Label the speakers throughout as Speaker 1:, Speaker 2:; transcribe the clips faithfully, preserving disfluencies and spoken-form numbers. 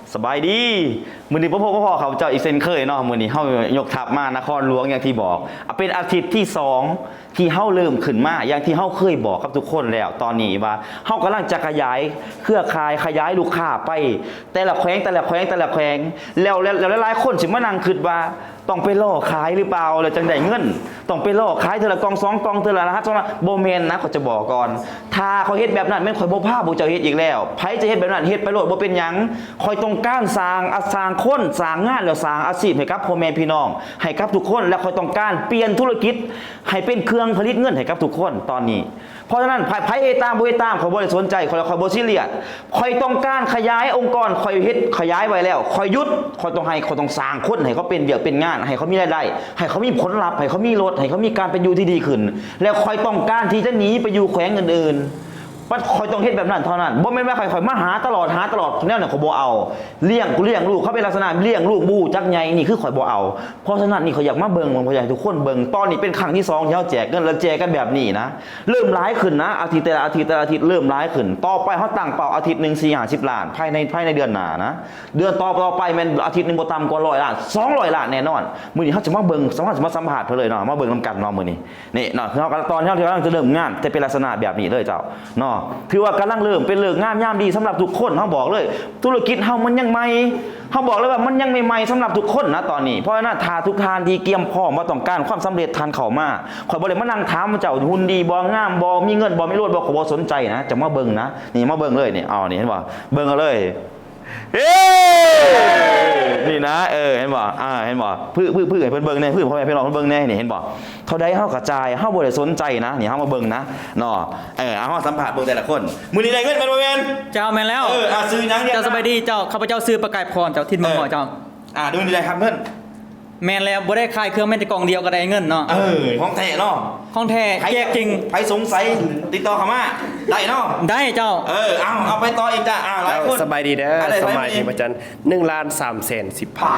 Speaker 1: สบายดีมือนี้พ่อพ่อพ่อเขาเจ้าอีเซนเคยเนาะมือนี้เฮายกทัพมานครหลวงอย่างที่บอกเป็นอาทิตย์ที่สองที่เฮาเริ่มขึ้นมาอย่างที่เฮาเคยบอกกับทุกคนแล้วตอนนี้ว่าเฮากำลังจะขยายเครือข่ายขยายลูกค้าไปแต่ละแขวงแต่ละแขวงแต่ละแขวงแล้วแล้วหลายๆคนสิมานั่งคิดว่าต้องไปล่อขายหรือเปล่าแล้วจังได้เงินต้องไปล่อขายเทอละกองสองกองเทอละรหัสสองโบเมนนะเขาจะบอกก่อนถ้าเขาเฮ็ดแบบนั้นแม่นข่อยบ่พาบ่เจ้าเฮ็ดอีกแล้วไผจะเฮ็ดแบบนั้นเฮ็ดไปโลดบ่เป็นหยังคอยต้องการสร้างอาสร้างคนสร้างงานแล้วสร้างอาชีพให้กับพ่อแม่พี่น้องให้กับทุกคนและคอยต้องการเปลี่ยนธุรกิจให้เป็นเครื่องผลิตเงินให้กับทุกคนตอนนี้เพราะฉะนั้นไผเอตามบ่เอตามข่อยบ่ได้สนใจข่อยข่อยบ่ซีเรียสข่อยต้องการขยายองค์กรข่อยเฮ็ดขยายไว้แล้วข่อยหยุดข่อยต้องให้ข่อยต้องสร้างคนให้เขาเป็นเวียกเป็นงานให้เขามีรายได้ให้เขามีผลลัพธ์ให้เขามีรถให้เขามีการเป็นอยู่ที่ดีขึ้นแล้วข่อยต้องการที่จะหนีไปอยู่แขวงอื่นๆว่าคอยต้องเฮ็ดแบบนั้นเท่านั้นบ่แม่นว่าใครๆมาหาตลอดหาตลอดแนวนั้นเขาบ่เอาเลี้ยงกูเลี้ยงลูกเขาเป็นลักษณะเลี้ยงลูกบูจักใหญ่นี่คือข่อยบ่เอาเพราะฉะนั้นนี่เขาอยากมาเบิ่งผมอยากให้ทุกคนเบิ่งตอนนี้เป็นครั้งที่สองที่เฮาแจกเงินแล้วแจกกันแบบนี้นะเริ่มหลายขึ้นนะอาทิตย์แต่ละอาทิตย์แต่ละอาทิตย์เริ่มหลายขึ้นต่อไปเฮาตั้งเป้าอาทิตย์นึงสี่ ห้าสิบล้านภายในภายในเดือนหน้านะเดือนต่อต่อไปแม่นอาทิตย์นึงบ่ต่ำกว่าหนึ่งร้อยล้านสองร้อยล้านแน่นอนมื้อนี้เฮาจะมาเบิ่งสามารถมาสัมภาษณ์เพิ่นเลยเนาะมาเบิ่งนำกันเนาะมื้อนี้นี่เนาะคือเฮาตอนที่เฮากำลังจะเริ่มงานจะเป็นลักษณะแบบนี้เลยเจ้าเนาะถือว่ากำลังเริ่มเป็นเลิกงามยามดีสำหรับทุกคนเขาบอกเลยธุรกิจเฮามันยังใหม่เขาบอกเลยว่ามันยังใหม่ๆสำหรับทุกคนนะตอนนี้เพราะฉะนั้นถ้าทุกทานดีเกียมพร้อมว่าต้องการความสำเร็จทานเข้ามาข่อยบ่ได้มานั่งถามว่าเจ้าหุ่นดีบ่งามบ่มีเงินบ่มีรถบ่ขอบ่สนใจนะจะมาเบิ่งนะนี่มาเบิ่งเลยนี่เอานี่เห็นบ่เบิ่งเอาเลยเฮ้นี่นะเออเห็นบ่อ่าเห็นบ่พื้นพื้นพื้นให้เพิ่นเบิ่งแน่พื้นพ่อแม่พี่น้องเพิ่นเบิ่งแน่นี่เห็นบ่เท่าใดเฮากระจายเฮาบ่ได้สนใจนะนี่เฮามาเบิ่งนะเนาะเออเอาเฮาสัมภาษณ์เบิ่งแต่ละคนมื้อนี้ได้เงินแม่นบ่แม่น
Speaker 2: เจ้าแม่นแล้ว
Speaker 1: เอออ่ะซื้อหยังเนี่ย
Speaker 2: เจ้าสบายดีเจ้าข้าพเจ้าซื้อประกายพรเจ้าทิศเมืองหมอเจ้า
Speaker 1: อ่าดูนี่ได้ครับเพิ่น
Speaker 2: แม่นแล้วบ่ได้ขายเครื่องแม่นแต่กล่องเดียวก็ได้เงินเนาะ
Speaker 1: เออของแท้เนาะ
Speaker 2: ของแท้แจกจริง
Speaker 1: ใครสงสัยติดต่อเข้ามาได้เนาะ
Speaker 2: ได้เจ้า
Speaker 1: เออเอาเอาไปต่ออีกจ้ะอ่าหลายคน
Speaker 3: สบายดีเด้อสบายดีประจันหนึ่งล้านสามแสนสิบพัน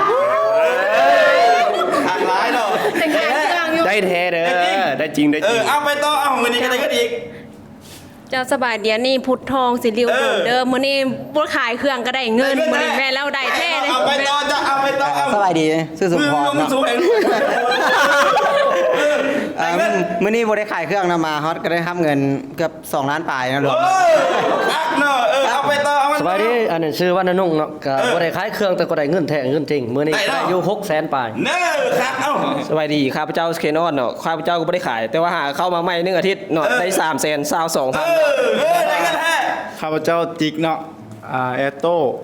Speaker 1: ขาดหลายเนาะ
Speaker 3: ได้แท้เด้อได้จริงได้จริง
Speaker 1: เออเอาไปต่อเอาเงินนี้ก็ได้ก็อีก
Speaker 4: เจ้าสบายเดียวนี่พุทธทองสิริวโดดเดิมมื้อนี้บ่ขายเครื่องก็ได้เงินมื้อนี้แม่แล้วได้แท้เลย
Speaker 1: เอาไปต่อจ้ะเอาไปต่อเอา
Speaker 5: สบายดีซื้อสุพรเนาะมื้อนี้บ่ได้ขายเครื่องนำมาฮอตก็ได้ทำเงินเกือบสองล้านปลายนะรวม
Speaker 1: อักเนาะเออเอาไปต่อเอา
Speaker 6: สบายดีอันนี้ชื่อว่านานุ่งเนาะก็บ่ได้ขายเครื่องแต่ก็ได้เงินแท้เงินจริงมื้อนี้ได้อยู่หกแสนปลาย
Speaker 1: เน้อครับเอ้า
Speaker 3: สบายดีข้าพเจ้าสเคนอนเนาะข้าพเจ้าก็บ่ได้ขายแต่ว่าหาเข้ามาใหม่หนึ่งอาทิตย์เนาะได้สามแสนสาวสองพัน
Speaker 1: เออได้เงินแท้
Speaker 7: ข้าพเจ้าจิกเนาะอ่าแอตโต้